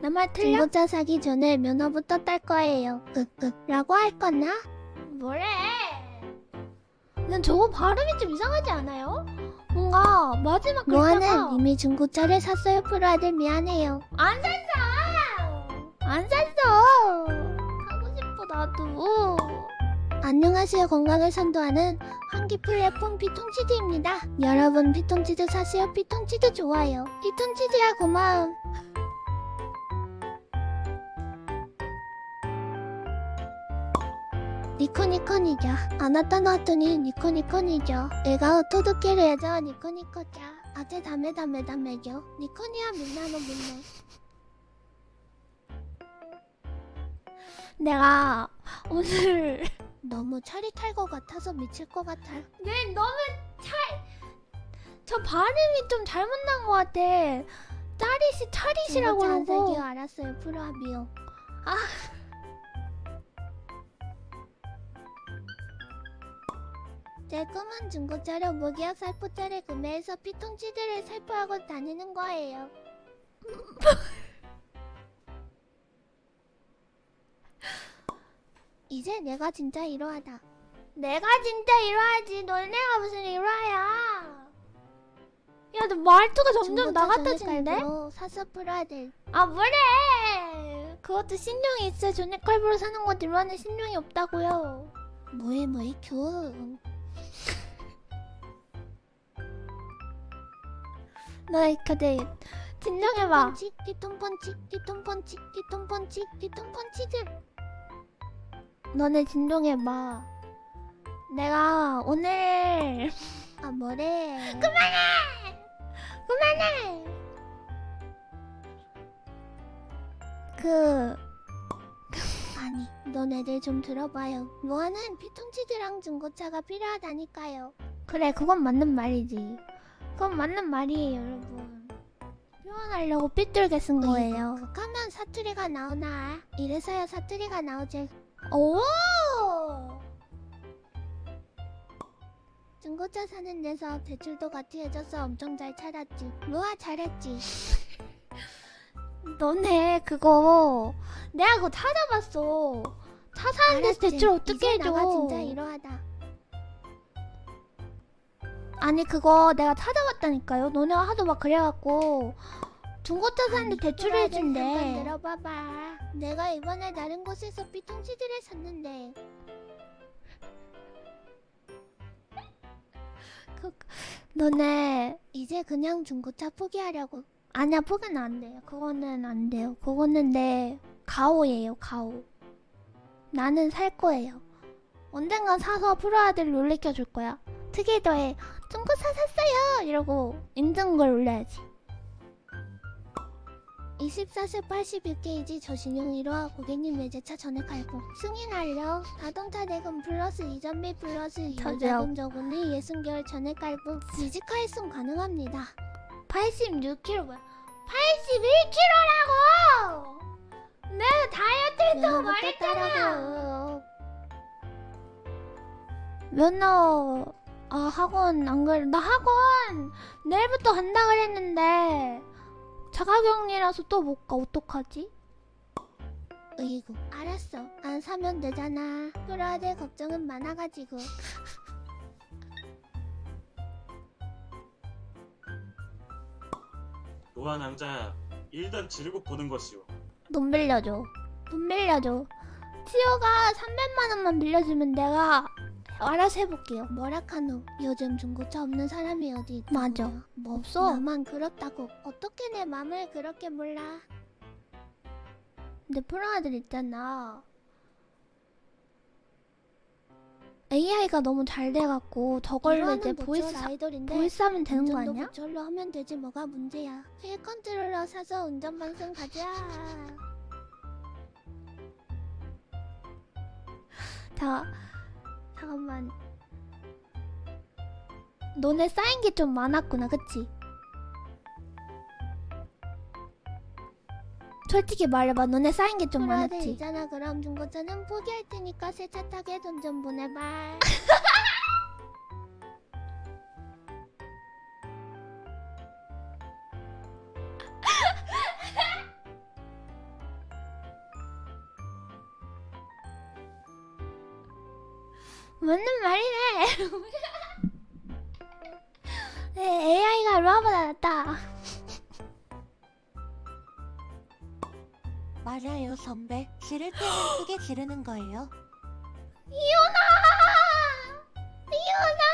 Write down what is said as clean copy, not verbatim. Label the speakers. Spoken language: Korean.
Speaker 1: 내 말 틀려?
Speaker 2: 중고차 사기 전에 면허부터 딸 거예요. 라고 할 거나?
Speaker 1: 뭐래? 난 저거 발음이 좀 이상하지 않아요? 뭔가 마지막 글자가
Speaker 2: 로아는 이미 중고차를 샀어요. 프로 아들 미안해요.
Speaker 1: 안 샀어! 안 샀어! 하고 싶어 나도.
Speaker 2: 안녕하세요. 건강을 선도하는 환기 플랫폼 피톤치드입니다. 여러분 피톤치드 사세요. 피톤치드 좋아요. 피톤치드야 고마움. 니코니코니죠. 아나타 나왔더니 니코니코니죠. 애가 토도케를 해줘. 니코니코자. 아재 다메다메다메죠. 니코니야 민나노 민네.
Speaker 1: 내가 오늘
Speaker 2: 너무 차릿할 것 같아서 미칠 것 같아.
Speaker 1: 네 너무 저 발음이 좀 잘못 난 것 같아. 짜릿이 차릿이라고
Speaker 2: 중고차 안
Speaker 1: 그러고.
Speaker 2: 살기요. 알았어요. 프로합이요.
Speaker 1: 아.
Speaker 2: 제 꿈은 중고차로 무기업 살포차를 구매해서 피톤치드를 살포하고 다니는 거예요. 이제 내가 진짜 이러하다.
Speaker 1: 내가 진짜 일화야지. 너네가 무슨 일화야? 야, 너 말투가 점점 나같아지는데?
Speaker 2: 사서 풀어야 돼.
Speaker 1: 아, 뭐래? 그것도 신용이 있어야 전액할부로 사는 거지. 일화는 신용이 없다고요.
Speaker 2: 뭐해 큐.
Speaker 1: 너 그대 진정해봐.
Speaker 2: 뒤통펀치 뒤통펀치들.
Speaker 1: 너네 진정해봐. 내가 오늘
Speaker 2: 아 뭐래.
Speaker 1: 그만해. 그
Speaker 2: 아니 너네들 좀 들어봐요. 로아는 피톤치드랑 중고차가 필요하다니까요.
Speaker 1: 그래, 그건 맞는 말이지. 그건 맞는 말이에요, 여러분. 표현하려고 삐뚤게 쓴 거예요.
Speaker 2: 극하면 사투리가 나오나? 이래서야 사투리가 나오지.
Speaker 1: 오!
Speaker 2: 중고차 사는 데서 대출도 같이 해줘서 엄청 잘 찾았지. 로아 잘했지.
Speaker 1: 너네 그거 내가 그거 찾아봤어. 차 사는 데서
Speaker 2: 알았지.
Speaker 1: 대출 어떻게
Speaker 2: 이제
Speaker 1: 해줘?
Speaker 2: 나가 진짜 이러하다.
Speaker 1: 아니 그거 내가 찾아봤다니까요. 너네가 하도 막 그래갖고 중고차 사는데 대출을
Speaker 2: 프로아들 잠깐
Speaker 1: 해준대.
Speaker 2: 들어봐봐. 내가 이번에 다른 곳에서 피톤치드를 샀는데
Speaker 1: 너네
Speaker 2: 이제 그냥 중고차 포기하려고.
Speaker 1: 아니야, 포기는 안 돼요. 그거는 안 돼요. 그거는 내 가오예요, 가오. 나는 살 거예요. 언젠간 사서 프로아들 놀래켜 줄 거야. 특이더에 중고차 샀어요 이러고 인증글 올려야지.
Speaker 2: 24세 86게이지 저신용 1화 고객님 외제차 전액 할부 승인 완료. 자동차 대금 플러스 이전비 플러스 유자금 저금리 60개월 전액 할부. 이지카 일송 가능합니다.
Speaker 1: 86kg 뭐야? 81kg라고! 내가 다이어트 했다고 말했잖아. 면허 학원 안 그래. 나 학원 내일부터 간다 그랬는데 자가격리라서 또 못 가. 어떡하지?
Speaker 2: 으이구 알았어. 안 사면 되잖아. 프로아들 걱정은 많아가지고.
Speaker 3: 노아 낭자 일단 지르고 보는 것이오.
Speaker 1: 돈 빌려줘. 돈 빌려줘. 티오가 300만 원만 빌려주면 내가 알아서 해볼게요.
Speaker 2: 뭐라카노 요즘 중고차 없는 사람이 어디 있다고.
Speaker 1: 맞아.
Speaker 2: 뭐
Speaker 1: 없어.
Speaker 2: 나만 그렇다고. 어떻게 내 맘을 그렇게 몰라.
Speaker 1: 근데 프로아들 있잖아. AI가 너무 잘 돼갖고 저걸로 이제 보이스
Speaker 2: 아이돌인데
Speaker 1: 하면 되는 거
Speaker 2: 운전도
Speaker 1: 아니야?
Speaker 2: 그걸로 하면 되지 뭐가 문제야. 휠 컨트롤러 사서 운전방송 가자.
Speaker 1: 잠깐만. 너네 쌓인 게 좀 많았구나, 그치? 솔직히 말해봐, 너네 쌓인 게 좀
Speaker 2: 프로아들
Speaker 1: 많았지?
Speaker 2: 있잖아. 그럼 중고차는 포기할 테니까 새 차 타게 돈 좀 보내봐.
Speaker 1: 맞는 말이네. 네, AI가 루아보다 낫다.
Speaker 2: 맞아요, 선배. 지를 때는 크게 지르는 거예요.
Speaker 1: 이윤아! 이윤아!